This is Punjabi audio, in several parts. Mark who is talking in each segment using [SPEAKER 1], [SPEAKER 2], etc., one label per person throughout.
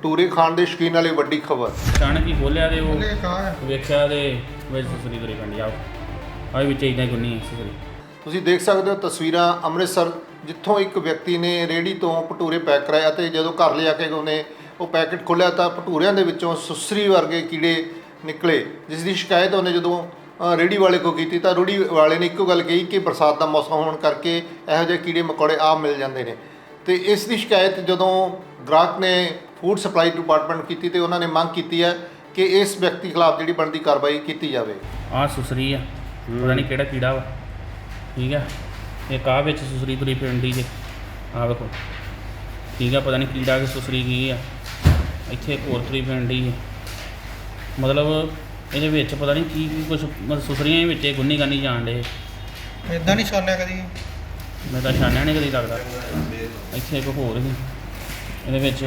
[SPEAKER 1] ਭਟੂਰੇ ਖਾਣ ਦੇ ਸ਼ੌਕੀਨ ਵਾਲੀ ਵੱਡੀ ਖਬਰ।
[SPEAKER 2] ਅਚਾਨਕ ਹੀ ਖੋਲ੍ਹਿਆ ਤੇ ਉਹ ਵੇਖਿਆ ਤੇ ਵਿੱਚ ਸੁਸਰੀ ਤੁਰੀ ਪੈਂਦੀ ਆ ਵਿੱਚ ਇੱਦਾਂ ਹੀ ਗੁੰਨੀ ਸੁਸਰੀ।
[SPEAKER 1] ਤੁਸੀਂ ਦੇਖ ਸਕਦੇ ਹੋ ਤਸਵੀਰਾਂ ਅੰਮ੍ਰਿਤਸਰ, ਜਿੱਥੋਂ ਇੱਕ ਵਿਅਕਤੀ ਨੇ ਰੇਹੜੀ ਤੋਂ ਭਟੂਰੇ ਪੈਕ ਕਰਾਏ ਅਤੇ ਜਦੋਂ ਘਰ ਲਿਆ ਕੇ ਉਹਨੇ ਉਹ ਪੈਕਟ ਖੋਲ੍ਹਿਆ ਤਾਂ ਭਟੂਰਿਆਂ ਦੇ ਵਿੱਚੋਂ ਸੁਸਰੀ ਵਰਗੇ ਕੀੜੇ ਨਿਕਲੇ, ਜਿਸ ਦੀ ਸ਼ਿਕਾਇਤ ਉਹਨੇ ਜਦੋਂ ਰੇਹੜੀ ਵਾਲੇ ਕੋਲ ਕੀਤੀ ਤਾਂ ਰੇਹੜੀ ਵਾਲੇ ਨੇ ਇੱਕੋ ਗੱਲ ਕਹੀ ਕਿ ਬਰਸਾਤ ਦਾ ਮੌਸਮ ਹੋਣ ਕਰਕੇ ਇਹੋ ਜਿਹੇ ਕੀੜੇ ਮਕੌੜੇ ਆਮ ਮਿਲ ਜਾਂਦੇ ਨੇ। ਤੇ ਇਸ ਦੀ ਸ਼ਿਕਾਇਤ ਜਦੋਂ ਗ੍ਰਾਹਕ ਨੇ ਫੂਡ ਸਪਲਾਈ ਡਿਪਾਰਟਮੈਂਟ ਨੂੰ ਕੀਤੀ ਤੇ ਉਹਨਾਂ ਨੇ ਮੰਗ ਕੀਤੀ ਹੈ ਕਿ ਇਸ ਵਿਅਕਤੀ ਖਿਲਾਫ ਜਿਹੜੀ ਬਣਦੀ ਕਾਰਵਾਈ ਕੀਤੀ ਜਾਵੇ।
[SPEAKER 2] ਆਹ ਸੁਸਰੀ ਆ, ਪਤਾ ਨਹੀਂ ਕਿਹੜਾ ਕੀੜਾ ਵਾ, ਠੀਕ ਆ। ਇੱਕ ਆਹ ਵਿੱਚ ਸੁਸਰੀ ਤੁਰੀ ਪੈਂਦੀ ਜੇ, ਆਹ ਵੇਖੋ, ਠੀਕ ਆ। ਪਤਾ ਨਹੀਂ ਕੀੜਾ ਕਿ ਸੁਸਰੀ ਕੀ ਆ। ਇੱਥੇ ਇੱਕ ਹੋਰ ਤੁਰੀ ਪੈਂਦੀ ਹੈ, ਮਤਲਬ ਇਹਦੇ ਵਿੱਚ ਪਤਾ ਨਹੀਂ ਕੀ ਕੁਛ, ਮਤਲਬ ਸੁਸਰੀਆਂ ਹੀ ਵਿੱਚ ਗੁੰਨੀ ਗਾਨੀ ਜਾਣ ਡੇ।
[SPEAKER 3] ਇੱਦਾਂ ਨਹੀਂ ਛਾਨਿਆ ਕਦੀ?
[SPEAKER 2] ਮੈਂ ਤਾਂ ਛਾਨਿਆ ਨਹੀਂ ਕਦੀ ਲੱਗਦਾ। ਇੱਥੇ ਇੱਕ ਹੋਰ ਸੀ ਇਹਦੇ ਵਿੱਚ।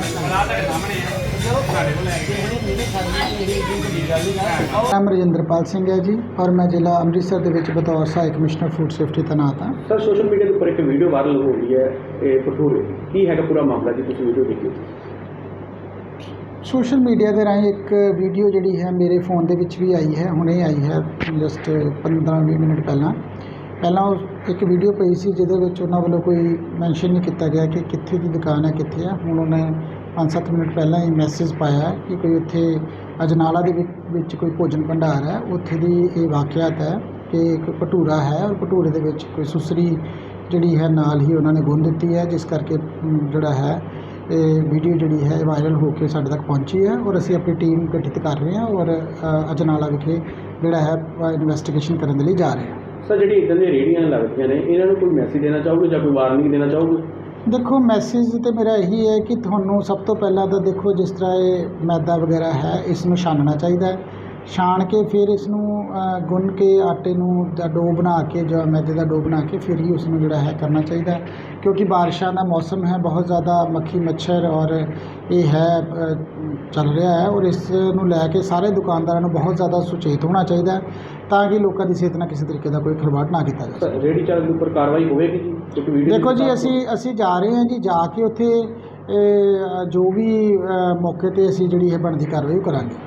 [SPEAKER 4] ਨਾਮ ਰਜਿੰਦਰਪਾਲ ਸਿੰਘ ਹੈ ਜੀ, ਔਰ ਮੈਂ ਜ਼ਿਲ੍ਹਾ ਅੰਮ੍ਰਿਤਸਰ ਦੇ ਵਿੱਚ ਬਤੌਰ ਸਹਾਇਕ ਕਮਿਸ਼ਨਰ ਫੂਡ ਸੇਫਟੀ ਤੈਨਾਤ ਹਾਂ।
[SPEAKER 5] ਸਰ, ਸੋਸ਼ਲ ਮੀਡੀਆ ਦੇ ਉੱਪਰ ਇੱਕ ਵੀਡੀਓ ਵਾਇਰਲ ਹੋ ਰਹੀ ਹੈ, ਇਹ ਭਟੂਰੇ ਕੀ ਹੈਗਾ ਪੂਰਾ ਮਾਮਲਾ ਜੀ? ਤੁਸੀਂ ਵੀਡੀਓ ਦੇਖੀ?
[SPEAKER 4] ਸੋਸ਼ਲ ਮੀਡੀਆ ਦੇ ਰਾਹੀਂ ਇੱਕ ਵੀਡੀਓ ਜਿਹੜੀ ਹੈ ਮੇਰੇ ਫ਼ੋਨ ਦੇ ਵਿੱਚ ਵੀ ਆਈ ਹੈ, ਹੁਣੇ ਆਈ ਹੈ, ਜਸਟ 15-20 ਮਿੰਟ ਪਹਿਲਾਂ ਉਹ ਇੱਕ ਵੀਡੀਓ ਪਈ ਸੀ ਜਿਹਦੇ ਵਿੱਚ ਉਹਨਾਂ ਵੱਲੋਂ ਕੋਈ ਮੈਂਸ਼ਨ ਨਹੀਂ ਕੀਤਾ ਗਿਆ ਕਿ ਕਿੱਥੇ ਦੀ ਦੁਕਾਨ ਹੈ, ਕਿੱਥੇ ਹੈ। ਹੁਣ ਉਹਨੇ 5-7 ਮਿੰਟ ਪਹਿਲਾਂ ਹੀ ਮੈਸੇਜ ਪਾਇਆ ਕਿ ਕੋਈ ਉੱਥੇ ਅਜਨਾਲਾ ਦੇ ਵਿੱਚ ਕੋਈ ਭੋਜਨ ਭੰਡਾਰ ਹੈ, ਉੱਥੇ ਦੀ ਇਹ ਵਾਕਿਆਤ ਹੈ ਕਿ ਇੱਕ ਭਟੂਰਾ ਹੈ ਔਰ ਭਟੂਰੇ ਦੇ ਵਿੱਚ ਕੋਈ ਸੁਸਰੀ ਜਿਹੜੀ ਹੈ ਨਾਲ ਹੀ ਉਹਨਾਂ ਨੇ ਗੁੰਨ ਦਿੱਤੀ ਹੈ, ਜਿਸ ਕਰਕੇ ਜਿਹੜਾ ਹੈ ਇਹ ਵੀਡੀਓ ਜਿਹੜੀ ਹੈ ਵਾਇਰਲ ਹੋ ਕੇ ਸਾਡੇ ਤੱਕ ਪਹੁੰਚੀ ਹੈ। ਔਰ ਅਸੀਂ ਆਪਣੀ ਟੀਮ ਗਠਿਤ ਕਰ ਰਹੇ ਹਾਂ ਔਰ ਅਜਨਾਲਾ ਵਿਖੇ ਜਿਹੜਾ ਹੈ ਇਨਵੈਸਟੀਗੇਸ਼ਨ ਕਰਨ ਦੇ ਲਈ ਜਾ ਰਹੇ ਹਾਂ।
[SPEAKER 5] ਸਰ, ਜਿਹੜੀ ਇੱਦਾਂ ਦੀਆਂ ਰੇਹੜੀਆਂ ਲੱਗਦੀਆਂ ਨੇ, ਇਹਨਾਂ ਨੂੰ ਕੋਈ ਮੈਸੇਜ ਦੇਣਾ ਚਾਹੋਗੇ ਜਾਂ ਕੋਈ ਵਾਰਨਿੰਗ ਦੇਣਾ ਚਾਹੋਗੇ?
[SPEAKER 4] ਦੇਖੋ, ਮੈਸੇਜ ਤਾਂ ਮੇਰਾ ਇਹੀ ਹੈ ਕਿ ਤੁਹਾਨੂੰ ਸਭ ਤੋਂ ਪਹਿਲਾਂ ਤਾਂ ਦੇਖੋ, ਜਿਸ ਤਰ੍ਹਾਂ ਇਹ ਮੈਦਾ ਵਗੈਰਾ ਹੈ, ਇਸ ਨੂੰ ਛਾਨਣਾ ਚਾਹੀਦਾ ਹੈ। ਛਾਣ ਕੇ ਫਿਰ ਇਸ ਨੂੰ ਗੁੰਨ ਕੇ ਆਟੇ ਨੂੰ ਜਾਂ ਡੋ ਬਣਾ ਕੇ ਜਾਂ ਮੈਦੇ ਦਾ ਡੋ ਬਣਾ ਕੇ ਫਿਰ ਹੀ ਉਸ ਨੂੰ ਜਿਹੜਾ ਹੈ ਕਰਨਾ ਚਾਹੀਦਾ, ਕਿਉਂਕਿ ਬਾਰਿਸ਼ਾਂ ਦਾ ਮੌਸਮ ਹੈ, ਬਹੁਤ ਜ਼ਿਆਦਾ ਮੱਖੀ ਮੱਛਰ ਔਰ ਇਹ ਹੈ ਚੱਲ ਰਿਹਾ ਹੈ। ਔਰ ਇਸ ਨੂੰ ਲੈ ਕੇ ਸਾਰੇ ਦੁਕਾਨਦਾਰਾਂ ਨੂੰ ਬਹੁਤ ਜ਼ਿਆਦਾ ਸੁਚੇਤ ਹੋਣਾ ਚਾਹੀਦਾ ਤਾਂ ਕਿ ਲੋਕਾਂ ਦੀ ਸਿਹਤ ਨਾਲ ਕਿਸੇ ਤਰੀਕੇ ਦਾ ਕੋਈ ਖਿਲਵਾੜ ਨਾ ਕੀਤਾ ਜਾ ਸਕੇ।
[SPEAKER 5] ਰੇਹੜੀ ਚਾਲਕ ਦੇ ਉੱਪਰ ਕਾਰਵਾਈ ਹੋਵੇਗੀ ਜੀ? ਕਿਉਂਕਿ ਵੀਡੀਓ
[SPEAKER 4] ਦੇਖੋ ਜੀ, ਅਸੀਂ ਜਾ ਰਹੇ ਹਾਂ ਜੀ, ਜਾ ਕੇ ਉੱਥੇ ਜੋ ਵੀ ਮੌਕੇ 'ਤੇ ਅਸੀਂ ਜਿਹੜੀ ਹੈ ਬਣਦੀ ਕਾਰਵਾਈ ਕਰਾਂਗੇ।